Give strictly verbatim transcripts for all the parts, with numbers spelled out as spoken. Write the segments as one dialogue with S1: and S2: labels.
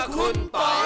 S1: คุณปอย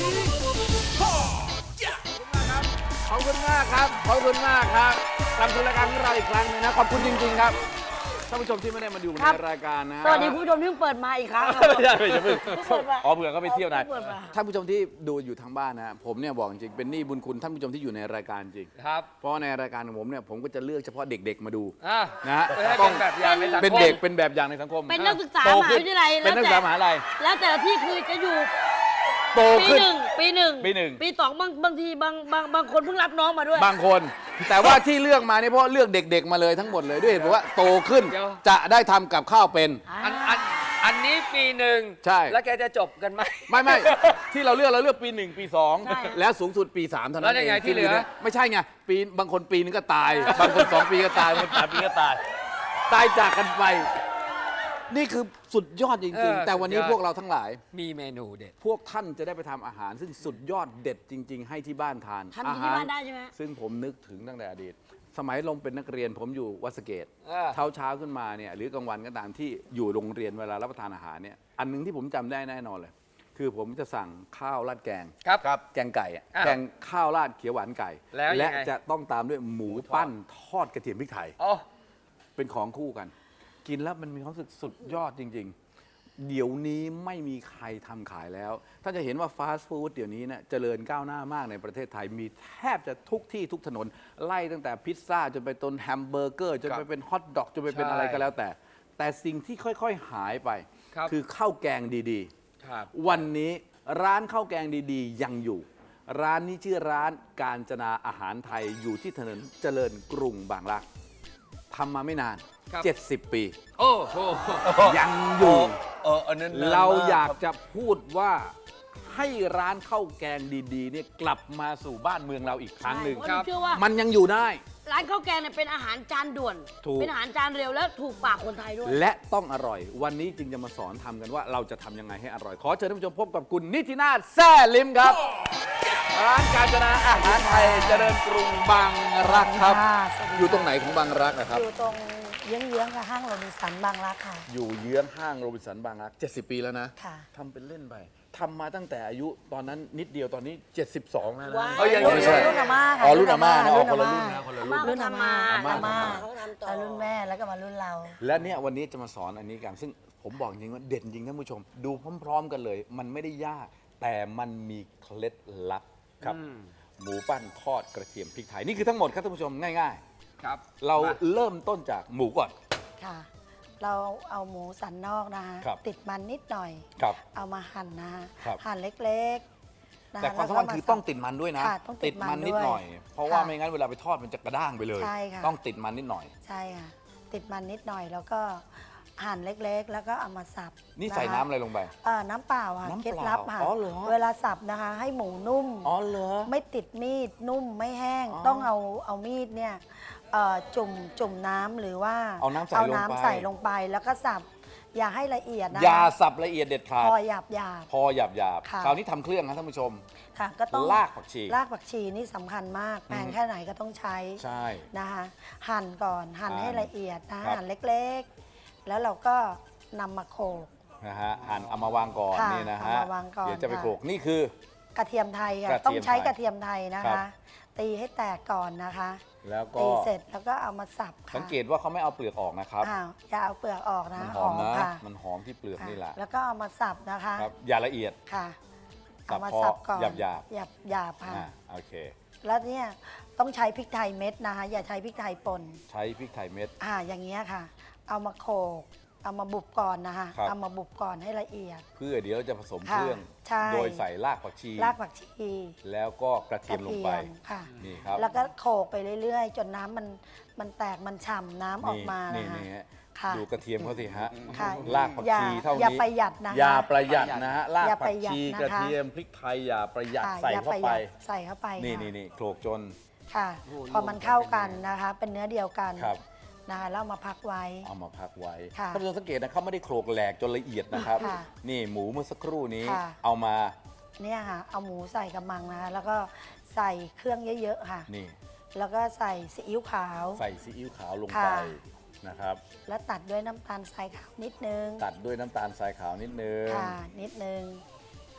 S2: ขอบคุณมากครับ ขอบคุณมากครับกลับสู่รายการของเราอีกครั้งหนึงนะ ขอบคุณจริงๆครับ ท่านผู้ชมที่ไม่ได้มาดูในรายการนะ
S3: สวัสดีคุณผู้ชมที่เพิ่งเปิดมาอีกครั้งครับ
S2: ไม่ใช่ไม่ใช่เพิ่ง
S3: เปิดมา
S2: อ๋อเผื่อเขาไปเที่ยวไหน
S3: เปิดมา
S2: ท่านผู้ชมที่ดูอยู่ทางบ้านนะ ผมเนี่ยบอกจริงเป็นหนี้บุญคุณท่านผู้ชมที่อยู่ในรายการจริง
S4: ครับ
S2: เพราะในรายการของผมเนี่ยผมก็จะเลือกเฉพาะเด็กๆมาดู
S4: อ่ะ
S2: นะฮะ
S4: เพื่อให้
S2: ต้
S4: เป็นแบบอย่างในสังคม
S2: เป็นเด็กเป็นแบบอย่างในสังคม
S3: เป็นนักศึกษา
S2: โต
S3: มหา
S2: ขึ้
S3: วิทยาลัย
S2: เป็นนักศึกษามหาลัย
S3: แล้วแต่ละที่คือจะอยู่
S2: โต
S3: ปี
S2: ขึ้น
S3: หนึ่งปีหนึ่ง
S2: ปีหนึ่ง
S3: ปีสองบางบางทีบางบางบางคนเพิ่งรับน้องมาด้วย
S2: บางคน แต่ว่าที่เลือกมาเนี่ยเพราะเลือกเด็ก ๆ มาเลยทั้งหมดเลยด้วยเหตุผลว่าโตขึ้น
S4: เดี๋ยว
S2: จะได้ทำกับข้าวเป็น
S4: อันอันอันนี้ปีหนึ่ง
S2: ใช่
S4: แล้วแกจะจบกันไหม
S2: ไม่ไม่ ที่เราเลือกเราเลือกปีหนึ่งปีสอง
S3: ใช่
S2: แล้วสูงสุดปีสามเท่านั้น
S4: แล้วยังไง
S2: เอง
S4: ที่เหลือ
S2: ไม่ใช่ไงปีบางคนปีนึงก็ตาย บางคนสองปีก็ตายบางคนสามปีก็ตาย ตายจากกันไป นี่คือสุดยอดจริง ๆ แต่วันนี้พวกเราทั้งหลาย
S4: มีเมนูเด็ด
S2: พวกท่านจะได้ไปทำอาหาร ซึ่งสุดยอดเด็ดจริง ๆ ให้ที่บ้านทาน
S3: ทำที่บ้านได้ใช่ไหม
S2: ซึ่งผมนึกถึงตั้งแต่อดีต สมัยลงเป็นนักเรียนผมอยู่วัดสะเกต
S4: อ่า
S2: เช้าเช้าๆขึ้นมาเนี่ยหรือกลางวันก็ตามที่อยู่โรงเรียนเวลารับประทานอาหารเนี่ยอันหนึงที่ผมจำได้แน่นอนเลย คือผมจะสั่งข้าวราดแกง
S4: ครับ
S2: ครับแกงไก่อะ
S4: อ่า
S2: แกงข้าวราดเขียวหวานไก่
S4: แล้วยังไง
S2: และจะต้องตามด้วยหมูปั้นทอดกระเทียมพริกไทย
S4: อ๋อ
S2: เป็นของคู่กัน กินแล้วมันมีความรู้สึกสุดยอดจริง ๆ เดี๋ยวนี้ไม่มีใครทำขายแล้ว ถ้าจะเห็นว่าฟาสต์ฟู้ดเดี๋ยวนี้เนี่ยเจริญก้าวหน้ามากในประเทศไทย มีแทบจะทุกที่ทุกถนน ไล่ตั้งแต่พิซซ่าจนไปต้นแฮมเบอร์เกอร์จนไปเป็นฮอทดอกจนไปเป็น
S4: ใช่
S2: อะไรก็แล้วแต่ แต่สิ่งที่ค่อยๆหายไป
S4: ครับ
S2: คือข้าวแกงดี
S4: ครับ
S2: ๆ วันนี้ร้านข้าวแกงดีๆ ยังอยู่ ร้านนี้ชื่อร้านกาญจนาอาหารไทยอยู่ที่ถนนเจริญกรุงบางรักทำมาไม่นาน
S4: ครับ
S2: เจ็ดสิบ ปี
S4: โอ้โห
S2: ยังอยู่
S1: เอออันนั้น
S2: เราอยากจะพูดว่าให้ร้านข้าวแกงดีๆเนี่ยกลับมาสู่บ้านเมืองเราอีกครั้งหนึ่ง
S3: ใช่เพราะหนูเชื่อว่า
S2: มันยังอยู่ได้
S3: ร้านข้าวแกงเนี่ยเป็นอาหารจานด่วน
S2: ถูก
S3: เป็นอาหารจานเร็วและถูกปากคนไทยด้วย
S2: และต้องอร่อย วันนี้จึงจะมาสอนทำกันว่าเราจะทำยังไงให้อร่อย ขอเชิญท่านผู้ชมพบกับคุณนิตินาถแซ่ลิมครับ ร้านกาญจนาอาหารไทยเจริญกรุงบางรักครับ
S5: ค่ะสวัสดีค่ะ
S2: อยู่ตรงไหนของบางรักนะครับ
S5: อยู่ตรงเยื้องๆกับห้างโรบินสันบางรักค่ะ
S2: อยู่เยื้องห้างโรบินสันบางรักเจ็ดสิบ ปีแล้วนะ
S5: ค่ะ
S2: ทำเป็นเล่นไปทำมาตั้งแต่อายุตอนนั้นนิดเดียวตอนนี้ เจ็ดสิบสองแล้วนะ
S3: ว้าว
S2: เอ้ยยัง
S5: รุ่น
S2: ไม่ใช่
S5: รุ่นอาม่าค่ะ
S2: อ๋อรุ่นอาม่านะอ๋อ
S5: รุ่น
S2: คนละ
S5: อา
S2: รุ่
S5: ม่า
S2: นนะคนละ
S3: อา
S2: รุ่น
S3: ม่า
S5: รุ่นอาม่า
S3: อาม่า
S5: อาม่า
S3: เขาทำต่อ
S5: แล้วรุ่นแม่แล้วก็มารุ่นเรา
S2: และเนี่ยวันนี้จะมาสอนอันนี้กัน ซึ่งผมบอกจริงว่าเด่นจริงท่านผู้ชม ดูพร้อม ๆ กันเลย มันไม่ได้ยาก แต่มันมีเคล็ดลับครับ หมูปั้นทอดกระเทียมพริกไทย นี่คือทั้งหมดครับท่านผู้ชมง่าย
S4: ครับ
S2: ๆ เราเริ่มต้นจากหมูก่อน
S5: ค่ะ เราเอาหมูสันนอกนะคะ
S2: ครับ
S5: ติดมันนิดหน่อย
S2: ครับ
S5: เอามาหั่นนะคะ
S2: ครับ
S5: หั่นเล็กๆนะคะ
S2: แต่ความสำคัญคือต้องติดมันด้วยนะ
S5: ค่ะต้องติดมัน
S2: นิด
S5: ด้วย
S2: หน่อย เพราะว่า
S5: ค่ะ
S2: ไม่งั้นเวลาไปทอดมันจะกระด้างไปเลย
S5: ใช่ค่ะ
S2: ต้องติดมันนิดหน่อย
S5: ใช่ค่ะ ติดมันนิดหน่อยแล้วก็หั่นเล็กๆ แล้วก็เอามาสับ
S2: นี่ใส่
S5: ะคะ
S2: น้ำอะไรลงไป
S5: เอ่อน้ำเปล่าค่ะ
S2: น้ำเปล่า
S5: เคล็ดลับค่ะ
S2: อ๋อเหรอ
S5: เวลาสับนะคะ ให้หมูนุ่ม
S2: อ๋อเหรอ
S5: ไม่ติดมีดนุ่มไม่แห้ง
S2: อ๋อ
S5: ต้องเอาเอามีดเนี่ยเอ่อจุ่มจุ่มน้ำหรือว่า
S2: เอาน้ำใส่ลงไป
S5: น้ำใส่ลงไปแล้วก็สับอย่าให้ละเอียดนะ
S2: อย่าสับละเอียดเด็ดขาด
S5: พอหยาบหยาบ
S2: พอหยาบหยาบ
S5: ค่ะ
S2: คราวนี้ทำเครื่องนะท่านผู้ชม
S5: ๆค่ะก็ต้อง
S2: รากผักชี
S5: รากผักชีนี่สำคัญมากแพงแค่ไหนก็ต้องใช้
S2: ใช่
S5: นะคะหั่นก่อนหั่น
S2: หั่น
S5: ให้ละเอียดนะ
S2: ครั
S5: หั่
S2: บ
S5: นเล็กๆ แล้วเราก็นำมาโขลก
S2: นะฮะหั่นเอามาวางก่อน
S5: ค่ะ
S2: นี่นะฮะ
S5: เอามาวางก่อน
S2: เดี๋ยวจะไป
S5: ค่ะ
S2: โขลกนี่คือ
S5: กระเทียมไทยค่ะ
S2: กระเทียม
S5: ต้องใช้
S2: ไทย
S5: กระเทียมไทยนะ
S2: ครั
S5: คะ
S2: บ
S5: ตีให้แตกก่อนนะคะ
S2: แล้วก็
S5: ตีเสร็จแล้วก็เอามาสับค่ะ
S2: สังเกตว่าเขาไม่เอาเปลือกออกนะครับ
S5: อ้าวอย่าเอาเปลือกออกนะ
S2: มันหอมนะ
S5: ค่ะ
S2: มันหอมที่เปลือก
S5: ค่ะ
S2: นี่แหละ
S5: แล้วก็เอามาสับนะคะ
S2: ครับอย่าละเอียด
S5: ค่ะ
S2: สับ
S5: เอามา
S2: พอ
S5: สับก่อน
S2: หยาบหยาบ
S5: หยาบหยาบค่ะ
S2: อ่าโอเค
S5: แล้วเนี่ยต้องใช้พริกไทยเม็ดนะคะ อย่าใช้พริกไทยป่น
S2: ใช้พริกไทยเม็ด
S5: อ่าอย่างเงี้ยค่ะ เอามาโขลกเอามาบุบก่อนนะคะ
S2: ครับ
S5: เอามาบุบก่อนให้ละเอียด
S2: เพื่อเดี๋ยวเราจะผสม
S5: ค่ะ
S2: เครื่อง
S5: ใช่
S2: โดยใส่รากผักชี
S5: รากผักชี
S2: แล้วก็กระเทียมลงไป
S5: กระเทียมค่ะ
S2: นี่ครับ
S5: แล้วก็โขลกไปเรื่อยๆ จนน้ำมันมันแตกมันฉ่ำน้ำออกมา
S2: นี่
S5: นะคะ
S2: นี่ฮะ
S5: ค่ะ
S2: ดูกระเทียมเขาสิฮะ
S5: ค่ะ
S2: รากผักชี
S5: อย่
S2: เท่า
S5: อย่า
S2: นี้
S5: ประหยัดนะคะ
S2: อย่าประหยัดนะฮะราก
S5: อย่า
S2: ผั
S5: ป
S2: ก
S5: ระหยัด
S2: ชี
S5: นะคะ
S2: กระเทียมพริกไทยอย่าประหยัด
S5: ค่ะ
S2: ใส่
S5: อย่
S2: เข้า
S5: ประห
S2: ไป
S5: ยัดใส่เข้าไป
S2: นี่
S5: ค่ะ
S2: นี่นี่โขลกจน
S5: ค่ะ
S4: โอ้โห
S5: พอมันเข้ากันนะคะ เป็นเนื้อเดียวกัน
S2: ครับ
S5: นะคะแล้วเอามาพักไว้
S2: เอามาพักไว้
S5: ค่ะ
S2: ท่านผู้ชมสังเกตนะเขาไม่ได้โขลกแหลกจนละเอียดนะครับ
S5: ค่ะ
S2: นี่หมูเมื่อสักครู่นี้
S5: ค่ะ
S2: เอามา
S5: เนี่ยค่ะ เอาหมูใส่กระมังนะคะ แล้วก็ใส่เครื่องเยอะๆค่ะ
S2: นี่
S5: แล้วก็ใส่ซีอิ๊วขาว
S2: ใส่ซีอิ๊วขาวลง
S5: ค่ะ
S2: ไปนะครับ
S5: แล้วตัดด้วยน้ำตาลทรายขาวนิดนึง
S2: ตัดด้วยน้ำตาลทรายขาวนิดนึง
S5: ค่ะ นิดนึง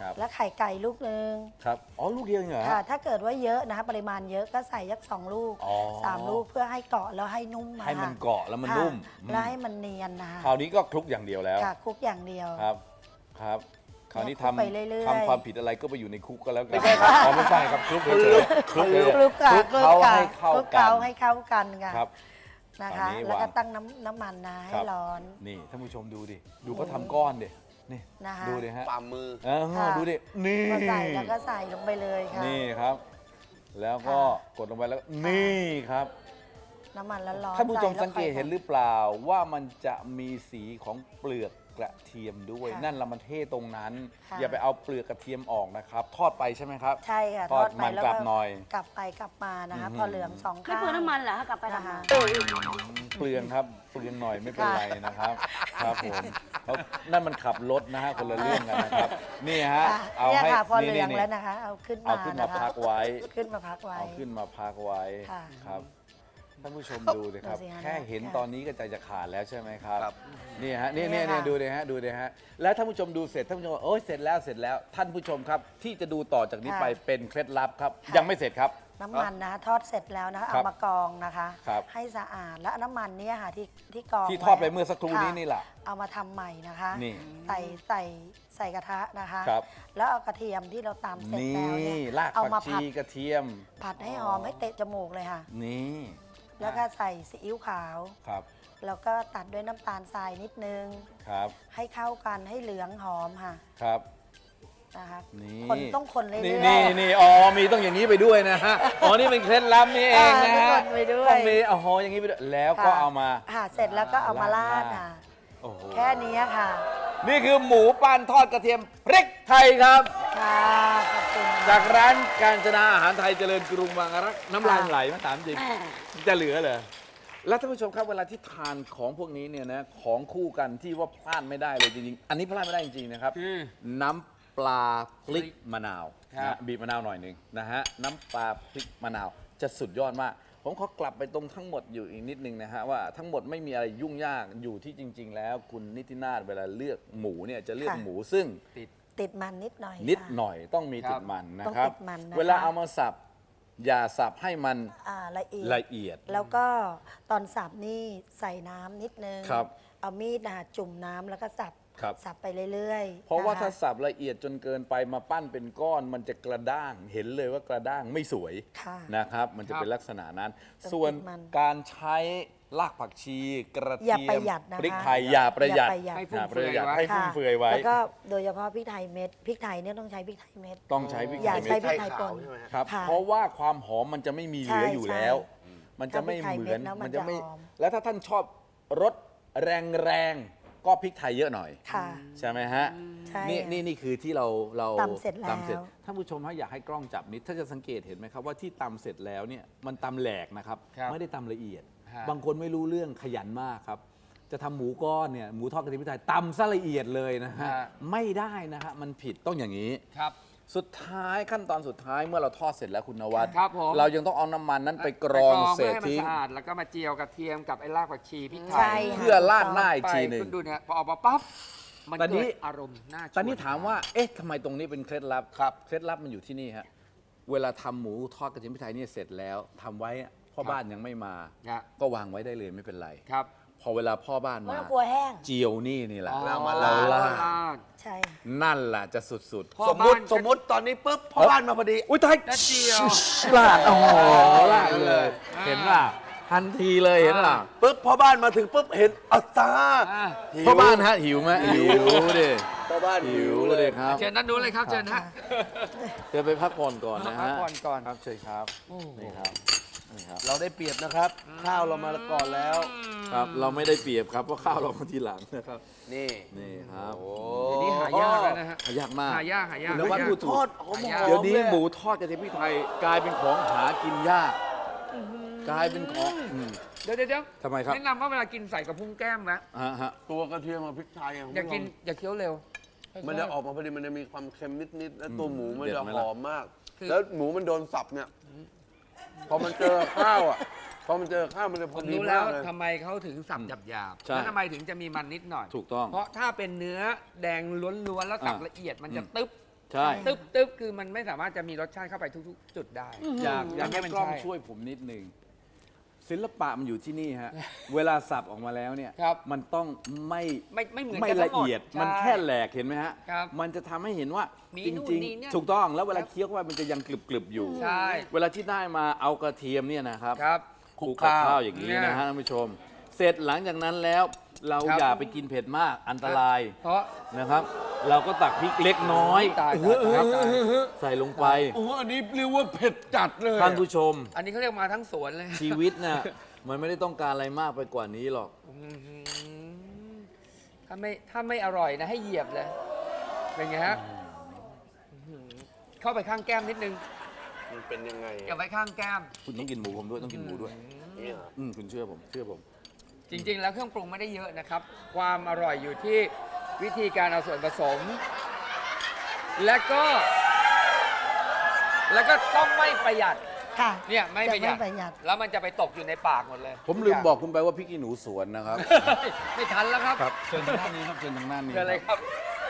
S2: ครับ
S5: แล้วไข่ไก่ลูกหนึ่ง
S2: ครับอ๋อลูกเดียวเองเหรอ
S5: ค่ะ ถ้าเกิดว่าเยอะนะคะปริมาณเยอะก็ใส่ยักสองลูก
S2: อ๋อ
S5: สามลูกเพื่อให้เกาะแล้วให้นุ่มอะ
S2: ให้มัน
S5: ค่ะ
S2: เกาะแล้วมัน
S5: ค่ะ
S2: นุ่ม
S5: แล้วให้มันเนียนนะคะ
S2: คราวนี้ก็คลุกอย่างเดียวแล้ว
S5: ค่ะคลุกอย่างเดียว
S2: ครับครับคราวนี้
S5: คลุกไปเรื่อย
S2: ทำ
S5: ๆ
S2: ทำความผิดอะไรก็ไปอยู่ในคุกก็แล้วกันไม่ใช่ครับอ๋อไม่ใช่ครับคลุกเฉยๆคลุกเฉย
S5: คลุก
S2: ๆ
S5: ค่ะ
S2: คลุกเขาให้เข้า
S5: คลุก
S2: กั
S5: เขา
S2: น
S5: ให้เข้ากันค่ะ
S2: ครับ
S5: นะคะ
S2: อันนี้
S5: แล้วก็
S2: วาง
S5: ตั้งน้ำน้ำมันนะ
S2: ค
S5: ให้
S2: รับ
S5: ร้อน
S2: นี่ท่านผู้ชมดูดิดูเขาทำก้อนดินี่
S5: นะคะ
S2: ดูดิฮะ
S1: ฝ่ามือ
S2: เออ
S5: ค่ะ
S2: ดูดินี่
S5: พอใส่แล้วก็ใส่ลงไปเลยค่ะ
S2: นี่ครับ แล้วก็
S5: ค่ะ
S2: กดลงไปแล้วก็นี่ครับ
S5: น้ำมันร้อนๆ
S2: ท่านผู้ชม
S5: ใแล้ว
S2: สังเกตเห็นหรือเปล่าว่ามันจะมีสีของเปลือกกระเทียมด้วย
S5: ค่ะ
S2: นั่นละมันเท่ตรงนั้น
S5: ค่ะ
S2: อย่าไปเอาเปลือกกระเทียมออกนะครับ ทอดไปใช่ไหมครับ
S5: ใช่ค่ะ
S2: ทอด
S5: ไป
S2: มัน
S5: แล้ว
S2: กลับหน่อย
S5: กลับไปกลับมานะคะ
S2: อืม
S5: พอเหลืองสอง
S3: ไม่
S5: ข้าง
S3: เปลืองน้ำมันเหรอถ้ากลับไป
S5: นะ
S3: ทำ
S5: คะ
S3: มา
S2: เปลืองครับเปลืองหน่อยไม่เป็นไรนะครับ ครับผมเพราะนั่นมันขับรถนะฮะคนละเรื่องกันนะครับ นี่ฮะ
S5: ค่ะ
S2: เอา
S5: เนี่ย
S2: ให้
S5: ค่ะพอเห
S2: นี่
S5: ลือง
S2: นี่
S5: แล้วนะคะ เอาขึ้น
S2: เอา
S5: มา
S2: ขึ้นมา
S5: นะคะ
S2: พักไว้
S5: ขึ้นมาพักไว้
S2: เอาขึ้นมาพักไว้
S5: ค่ะ
S2: ครับท่านผู้ชมดูสิครับ
S5: ดูสิฮะ
S2: แค่เห็น
S5: ค่ะ
S2: ตอนนี้ก็ใจจะขาดแล้วใช่ไหมครับ
S1: ครับ
S2: นี่ฮะนี่
S5: เนี่
S2: นี่
S5: ย
S2: นี่
S5: ค่ะ
S2: ดูดิฮะดูดิฮะแล้วท่านผู้ชมดูเสร็จท่านผู้ชมบอกโอ้ยเสร็จแล้วเสร็จแล้ว ท่านผู้ชมครับ ที่จะดูต่อจากนี้ไปเป็นเคล็ดลับครับ ยังไม่เสร็จครับ
S5: น้ำมันนะคะทอดเสร็จแล้วนะคะ
S2: ครั
S5: เอา
S2: บ
S5: มากรองนะคะ
S2: ครับ
S5: ให้สะอาดแล้วน้ำมันเนี้ค่ะที่ที่กรอง
S2: ที่ทอดไป
S5: ว้
S2: เมื่อสักครู่นี้
S5: ะ
S2: นี่แหละ
S5: เอามาทำใหม่นะคะ
S2: นี่
S5: ใส่ใส่ใส่กระทะนะคะ
S2: ครับ
S5: แล้วเอากระเทียมที่เราตำเสร็จ
S2: นี่
S5: แล้วเนี่ย
S2: ราก
S5: เอา
S2: ผั
S5: มาก ผั
S2: ชี
S5: ด
S2: กระเทียม
S5: ผัดให้หอมให้เตะจมูกเลยค่ะ
S2: นี่
S5: แล้วก็ใส่ซีอิ๊วขาว
S2: ครับ
S5: แล้วก็ตัดด้วยน้ำตาลทรายนิดนึง
S2: ครับ
S5: ให้เข้ากันให้เหลืองหอมค่ะ
S2: ครับ
S5: นะคะ
S2: นี่
S5: คนต้องคนเรื่อย
S2: นี่
S5: ๆ
S2: นี่นี่อ๋อมีต้องอย่างนี้ไปด้วยนะฮะอ๋อนี่เป็นเคล็ดลับนี่เองนะฮะ
S5: อ่าต้องคนไปด้วย
S2: ต้องมีอ๋ออย่างนี้ไปด้วยแล้วก็
S5: ค่ะ
S2: เอามา
S5: ค่ะเสร็จแล้วก็เอามาราด
S2: ราด
S5: ค่ะ
S2: โอ้โห
S5: แค่นี้ค่ะ
S2: นี่คือหมูปั้นทอดกระเทียมพริกไทยครับ
S5: ค่ะขอบคุณค่ะ
S2: จากร้านการจนาอาหารไทยเจริญกรุงบางรักน้ำลาย
S5: ค่ะ
S2: ไหลมาถามจริง จะเหลือเหรอแล้วท่านผู้ชมครับเวลาที่ทานของพวกนี้เนี่ยนะของคู่กันที่ว่าพลาดไม่ได้เลยจริงๆ อันนี้พลาดไม่ได้จริงๆนะครับ
S4: คือ
S2: น้ำปลาพริกมะนาว
S4: ครับ
S2: นะบีบมะนาวหน่อยหนึ่งนะฮะน้ำปลาพริกมะนาวจะสุดยอดมาก ผมขอกลับไปตรงทั้งหมดอยู่อีกนิดนึงนะฮะว่าทั้งหมดไม่มีอะไรยุ่งยากอยู่ที่จริง ๆ แล้วคุณนิตินาถเวลาเลือกหมูเนี่ยจะเลือก
S5: ค่ะ
S2: หมูซึ่ง
S5: ติดมันนิดหน่อย
S2: นิด
S5: ค่ะ
S2: หน่อยต้องมี
S4: ครับ
S2: ติดมันนะ
S5: ต้อง
S2: ครับ
S5: ติดมันนะคะ
S2: เวลาเอามาสับอย่าสับให้มัน
S5: อ่าละเอียด
S2: ละเอียด
S5: แล้วก็ตอนสับนี่ใส่น้ำนิดนึง
S2: ครับ
S5: เอามีดนะคะจุ่มน้ำแล้วก็สับ
S2: ครับ
S5: สับไปเรื่อยๆ
S2: เพราะว่า
S5: ค
S2: ถ้าสับละเอียดจนเกินไปมาปั้นเป็นก้อนมันจะกระด้างเห็นเลยว่ากระด้างไม่สวย
S5: ค่ะ
S2: นะครับ มันจะ
S4: ครับ
S2: เป็นลักษณะนั้น
S5: ต้อง
S2: ส่วน
S5: ติดมัน
S2: การใช้รากผักชีกระ
S5: อย่า
S2: เที
S5: ป
S2: ย
S5: ระ
S2: ม
S5: หยัดนะคะ
S2: พริกไทยอย่าประหยัด
S5: อย่าประหยัด
S4: ให้
S2: อ
S4: ฟุ่ม
S2: ย่าป
S4: เฟื
S2: ระ
S4: อย
S2: หยัด
S4: ไว้
S2: ให้ฟุ่มเฟือยไว้
S5: แล้วก็โดยเฉพาะพริกไทยเม็ดพริกไทยเนี่ยต้องใช้พริกไทยเม็ด
S2: ต้องใช้พริก
S5: อย่า
S2: ไทย
S5: ใช้
S2: เม็ด
S5: พริกไทยป่น
S1: ใช่ไหมฮะ
S2: ครับ
S5: ค่ะ
S2: เพราะว่าความหอมมันจะไม่มีเหลือ
S5: ใช่
S2: อยู่แล้ว
S5: ใช่
S2: มันจะไม่เหมือน
S5: ถ้าพริกไทยเม็ดแล้วมัน
S2: จะไม่
S5: จะหอม
S2: แล้วถ้าท่านชอบรสแรงๆก็พริกไทยเยอะหน่อย
S5: ค่ะ
S2: ใช่ไหมฮะ
S5: ใช่
S2: นี่นี่นี่คือที่เราเรา
S5: ตำเสร็จแล้ว
S2: ตำเสร็จท่านผู้ชมฮะอยากให้กล้องจับนิดถ้าจะสังเกตเห็นไหมครับว่าที่ตำเสร็จแล้วเนี่ยมันตำแหลกนะครับ
S4: ครับ
S2: ไม่ได้ตำละเอียด
S4: ฮะ
S2: บางคนไม่รู้เรื่องขยันมากครับ จะทำหมูก้อนเนี่ยหมูทอดกระเทียมพริกไทยตำซะละเอียดเลยนะฮะ
S4: ฮะ
S2: ไม่ได้นะฮะมันผิดต้องอย่างนี้
S4: ครับ
S2: สุดท้ายขั้นตอนสุดท้ายเมื่อเราทอดเสร็จแล้วคุณนวัด
S4: ครับผม
S2: เรายังต้องเอาน้ำมันนั้นไปกรองเศษ
S4: ให้มัน
S2: ทิ้ง
S4: สะอาดแล้วก็มาเจียวกระเทียมกับไอ้รากผักชีพริกไท
S5: ใช่
S4: ย
S5: ค่ะ
S2: เพื่อราดหน้าอีก
S4: ไป
S2: ทีหนึ่ง
S4: คุณดูเนี่ยพอออกมาปั๊บมัน
S2: ตอนนี้
S4: เกิดอารมณ์น่าชวน
S2: ตอนนี้ถามว่า เอ๊ะทำไมตรงนี้เป็นเคล็ดลับครับ เคล็ดลับมันอยู่ที่นี่ฮะ เวลาทำหมูทอดกระเทียมพริกไทยเนี่ยเสร็จแล้วทำไว้อะพ่อบ้านยังไม่มา
S4: ฮะ
S2: ก็วางไว้ได้เลยไม่เป็นไร
S4: ครับ
S2: พอเวลาพ่อบ้าน
S5: ไม่
S2: มา
S5: ต้องกลัวแห้ง
S2: เจียวนี่นี่แหละ
S4: อ๋อ
S1: เรามา
S2: เรา
S1: ลาด
S2: ลาด
S4: ลาด
S5: ใช่
S2: นั่นแหละจะสุด
S4: พ่อ
S1: สมม
S4: บ้า
S1: ติ
S4: น
S1: สมมติตอนนี้ปุ๊บพ่อบ้านมาพอดี
S2: ๆ อุ้ยตาย
S4: แล้วเจียว
S2: ลาดโอ้โหลาดเลย เห็นป่ะทันทีเลยเห็นป่ะ
S1: ปุ๊บพ่อบ้านมาถึงปุ๊บเห็นอัตตา
S4: อ่า
S1: หิว
S2: พ่อบ้านฮะหิวไหมหิวดิ
S1: พ่อบ้าน
S2: หิ
S1: หิ
S2: ว
S1: ว
S2: เล
S1: เลย ย
S2: ครับ
S4: เชิญนั่นนู้นเลยครับเชิญฮะ
S2: เดี๋ยวไปพักผ่อนก่อนนะฮะ
S4: พักผ่อนก่อน
S2: ครับเชิญครับนี่ครับนี่ครับ
S1: เราได้เปรียบนะครับ ข้าวเรามาก่อนแล้ว
S2: ครับ เราไม่ได้เปรียบครับเพราะข้าวเรามาทีหลังนะครับ
S1: นี่
S2: นี่ครับ
S1: โอ้
S4: เดี๋ยวนี้หายากแล้วนะฮะ
S2: หายากมาก
S4: หายากหายาก
S2: คุณนวัด
S4: หายาก
S2: พูดถู
S1: ท
S2: ก
S1: อดหอม
S4: หายาก
S1: ๆ
S2: เดี๋ยวนี้
S1: ล
S2: หมูทอดกระเทียมพริกไทยกลายเป็นของหากินยาก กลายเป็นของอืม
S4: เดี๋ยวเดี๋ยวเดี๋ยว
S2: ทำไมครับ
S4: แนะนำว่าเวลากินใส่กับพุ้งแก้มนะ
S2: ฮะฮะ
S1: ตัวกระเทียมกับพริกไทยะ
S4: อย่ากิน
S1: คุณผู้ช
S4: อย่าเคี้ยวเร็ว
S1: มมันจะออกมาพอดีมันจะมีความเค็มนิดๆแล้วตัวหมูมัน
S2: เด็ด
S1: จะ
S2: ไหม
S1: ห
S2: ล่ะ
S1: อมมาก
S4: คือ
S1: แล้วหมูมันโดนสับเนี่ยพอมันเจอข้าวอ่ะพอมันเจอข้าวมันจะพ
S4: ผ
S1: อ
S4: ม
S1: ดี
S4: รู้แล้
S1: มาว กเลย
S4: ทำไมเขาถึงสับหยาบๆ
S2: ใช่
S4: แล้วทำไมถึงจะมีมันนิดหน่อย
S2: ถูกต้อง
S4: เพราะถ้าเป็นเนื้อแดงล้วนๆแล้วสับ
S2: อ่า
S4: ละเอียดมันจะ
S2: อืม
S4: ตึ๊บ
S2: ใช่
S4: ตึ๊บตึ๊บคือมันไม่สามารถจะมีรสชาติเข้าไปทุกๆ จุดได้
S2: อยากอยากให้
S4: มัน
S2: กล้อง
S4: ใช่
S2: ช่วยผมนิดนึงศิลปะมันอยู่ที่นี่ฮะ เวลาสับออกมาแล้วเนี่ย
S4: ครับ
S2: มันต้องไม่
S4: ไม่ไม่เหมือน
S2: ไม่
S4: กันทั้
S2: ละ
S4: งหมด
S2: เอียด
S4: ใช่
S2: มันแค่แหลกเห็นไหมฮะ
S4: ครับ
S2: มันจะทำให้เห็นว่า
S4: มี
S2: จ
S4: นู่น
S2: ริง
S4: นี่เนี่ย
S2: ๆ ถูกต้องแล้วเวลา
S4: ครับ
S2: เคี้ยวเข้าไปมันจะยังกรึบๆอยู่
S4: ใช่
S2: เวลาที่ได้มาเอากระเทียมเนี่ยนะครับ
S4: ครับ
S2: คลุกกับข้าวอย่างนี้
S4: เนี่ย
S2: นะฮะท่านผู้ชม เสร็จหลังจากนั้นแล้วเรา
S4: ครับ
S2: อย่าไปกินเผ็ดมากอันตราย
S4: เพราะ
S2: นะครับ เราก็ตักพริกเล็กน้อย
S4: ตายตายตายตาย
S2: ใส่ลงไป
S1: โอ้โหอันนี้เรียกว่าเผ็ดจัดเลย
S2: ท่านผู้ชม
S4: อันนี้เขาเรียกมาทั้งสวนเลย
S2: ชีวิตน่ะมันไม่ได้ต้องการอะไรมากไปกว่านี้หรอก
S4: อื้อหือถ้าไม่ถ้าไม่อร่อยนะให้เหยียบเลย เป็นไงฮะอื้อหือเข้าไปข้างแก้มนิดนึง
S1: มันเป็นยังไง
S4: อย่าไปข้างแก้ม
S2: คุณต้องกินหมูผมด้วยต้องกินหมูด้วย
S1: เนี่ยเหรอ
S2: อืมคุณเชื่อผมเชื่อผม
S4: จริง ๆ แล้วเครื่องปรุงไม่ได้เยอะนะครับ ความอร่อยอยู่ที่วิธีการเอาส่วนผสม และก็ แล้วก็ต้องไม่ประหยัด
S5: ค่ะ
S4: เนี่ยไม่ประหยัด
S5: จะไม่ประหยัด
S4: แล้วมันจะไปตกอยู่ในปากหมดเลย
S2: ผมลืมบอกคุณไปว่าพริกขี้หนูสวนนะครับ
S4: ไม่ทันแล้วครับ
S2: ครับเชิญทางด้านนี้ครับเชิญทางด้านนี้
S4: เชิญเลยครับ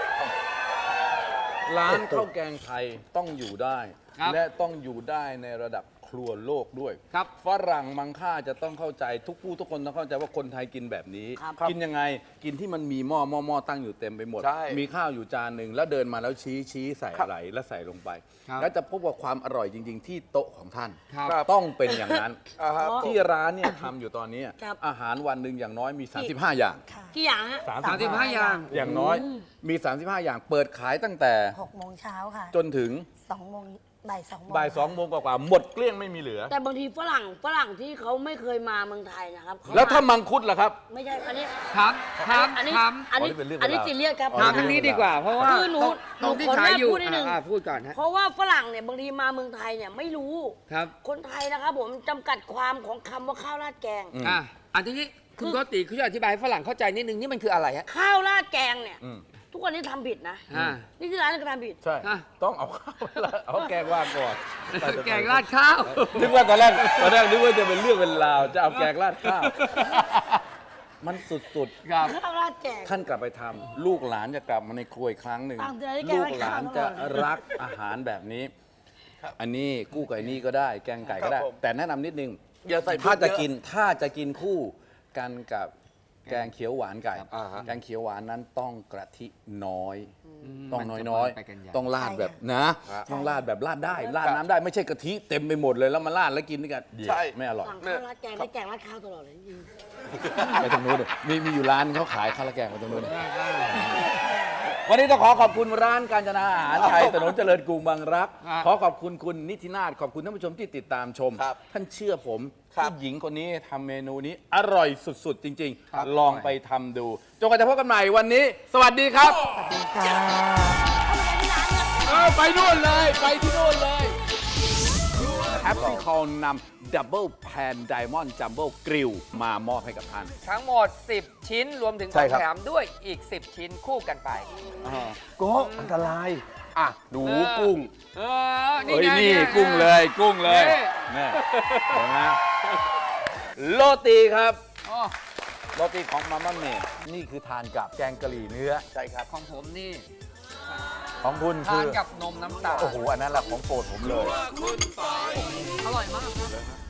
S2: ร้านข้าวแกงไทยต้องอยู่ได้
S4: ครับ
S2: และต้องอยู่ได้ในระดับครัวโลกด้วย
S4: ครับ
S2: ฝรั่งมังค่าจะต้องเข้าใจทุกผู้ทุกคนต้องเข้าใจว่าคนไทยกินแบบนี้
S3: ครับ
S2: กินยังไงกินที่มันมีหม้อหม้อหม้อตั้งอยู่เต็มไปหมด
S1: ใช่
S2: มีข้าวอยู่จานหนึ่งแล้วเดินมาแล้วชี้ชี้ใส่อะไรแล้วใส่ลงไป
S4: ครับ
S2: แล้วจะพบว่าความอร่อยจริง ๆ ที่โต๊ะของท่าน
S4: ครับ
S2: ต้องเป็นอย่างนั้น
S1: อ่าฮะ
S2: ที่ร้านเนี่ยทำอยู่ตอนนี้
S3: ครับ
S2: อาหารวันหนึ่งอย่างน้อยมี สามสิบห้า อย่าง
S5: ค่ะ
S3: กี่อย่างฮะ
S4: สามสิบห้าอย่าง
S2: อย่างน้อยมี สามสิบห้า อย่างเปิดขายตั้งแต่
S5: หกโมงเช้าค่ะ
S2: จนถึง
S5: สองโมงบ่ายสองโมง
S2: บ่ายสองโมงกว่าๆหมดเกลี้ยงไม่มีเหลือ
S3: แต่บางทีฝรั่งฝรั่งที่เขาไม่เคยมาเมืองไทยนะครับเข
S2: แล้วถ้ามังคุดล่ะครับ
S3: ไม่ใช่ อันนี้
S4: ถามถาม
S3: อันนี้
S4: ถาม
S3: อันนี้
S2: อ๋อนี่เป็นเรื่อง
S3: อันนี้
S2: เป็นราว
S3: ซีเรียสครับ
S2: อ๋อ
S4: ถามทางนี้ดีกว่า เพราะว่า
S3: คือหนู
S4: ตรงที่
S3: หนูขออนุญาต
S4: ขายอยู่
S3: พูดนิดนึง
S4: อ่าพูดก่อนฮะ
S3: เพราะว่าฝรั่งเนี่ยบางทีมาเมืองไทยเนี่ยไม่รู้
S4: ครับ
S3: คนไทยนะครับผมจำกัดความของคำว่าข้าวราดแกง
S2: อืม
S4: อ่ะอันนี้คุณโกติคุณช่วยอธิบายให้ฝรั่งเข้าใจนิดนึงนี่มันคืออะไรฮะ
S3: ข้าวราดแกงเนี่ย
S2: อืม
S3: ทุกวันนี้ทำผิดนะ
S4: อ่า
S3: นี่คือร้านกทำผิด
S2: ใช่
S4: อ่ะ
S2: ต้องเอาข้าวเอาแกงว่างก่อน
S4: แกงราดข้าว
S2: นึกว่าตอนแรกตอนแรกนึกว่าจะเป็นเรื่องเป็นราวจะเอาแกงราดข้าว มันสุด
S4: ครับ
S3: ข้าวราดแกง
S2: ๆ ท่านกลับไปทำลูกหลานจะกลับมาในครัวอีกครั้งหนึ่ง
S3: ตามใจได้แกง
S2: ลู
S3: ราด
S2: กหลาน
S3: ข้าว
S2: จะ
S3: ตลอด
S2: รักอาหารแบบนี้ อันนี้กู้ไก่นี่ก็ได้ แกงไก่ก็ได้
S1: ครับผม
S2: แต่แนะนำนิดนึง
S1: อย่าใส่
S2: ถ้าจะ
S1: เยอะ
S2: กินถ้าจะกินคู่กันกับแกงเขียวหวานไก่
S1: อ่าฮะ
S2: แกงเขียวหวานนั้นต้องกะทิน้อย ต้อง
S4: มันจะ
S2: น้อย
S4: ไปกันใหญ่
S2: ๆ ต้องราดแบบนะ
S1: ครับ
S2: ต้องราดแบบราดได้ราดน้ำได้ไม่ใช่กะทิเต็มไปหมดเลยแล้วมาราดแล้วกินด้วยกัน
S1: ใช่
S2: ไม่อร่อย
S3: สั่งข้าวราดแกงได้แกงราดข้าวตลอดเลยจริง
S2: ไปตรงนู้นดิมีมีอยู่ร้านเขาขายข้าวราดแกงไปตรงนู้นดิวันนี้ต้องขอขอบคุณร้านการจนาอาหารไทยถนนเจริญกรุงบางรัก
S4: ครับ
S2: ขอขอบคุณคุณนิตินาถขอบคุณท่านผู้ชมที่ติดตามชม
S1: ครับ
S2: ท่านเชื่อผม
S1: ครับ
S2: ผู้หญิงคนนี้ทำเมนูนี้อร่อยสุดๆ จริง
S4: ครับ
S2: ๆ ลองไปทำดูจนกว่าจะพบกันใหม่วันนี้ สวัสดีครับ
S5: ค่ะ
S2: เออไปนู่นเลย ไปที่นู่นเลยแฮปปี้คอลนำดับเบิลแพนไดมอนด์จัมโบ้กริลมามอบให้กับท่าน
S4: ทั้งหมด สิบ ชิ้นรวมถึงข
S2: ใช่
S4: อง
S2: ครับ
S4: แถมด้วยอีก สิบ ชิ้นคู่กันไป
S1: โก็อันตราย อ่ะหนูกุ้ง
S4: เออ นี่
S2: เฮ้ย
S4: ไง
S2: นี่
S4: ไ
S2: กุ้งเลยกุ้งเลย
S4: นี่
S2: นี่เห็นไหมโรตีครับ
S4: อ๋อ
S2: โรตีของมาม่าเมดนี่คือทานกับแกงกะหรี่เนื้อ
S1: ใช่ครับ
S4: ของผมนี่
S2: ของคุณ
S4: ทา
S2: คื
S4: น
S2: อ
S4: กับนมน้ำตาล
S2: โอ้โห อันนั้นแหละของโปรดผมเลย
S4: อร่อยมากครับ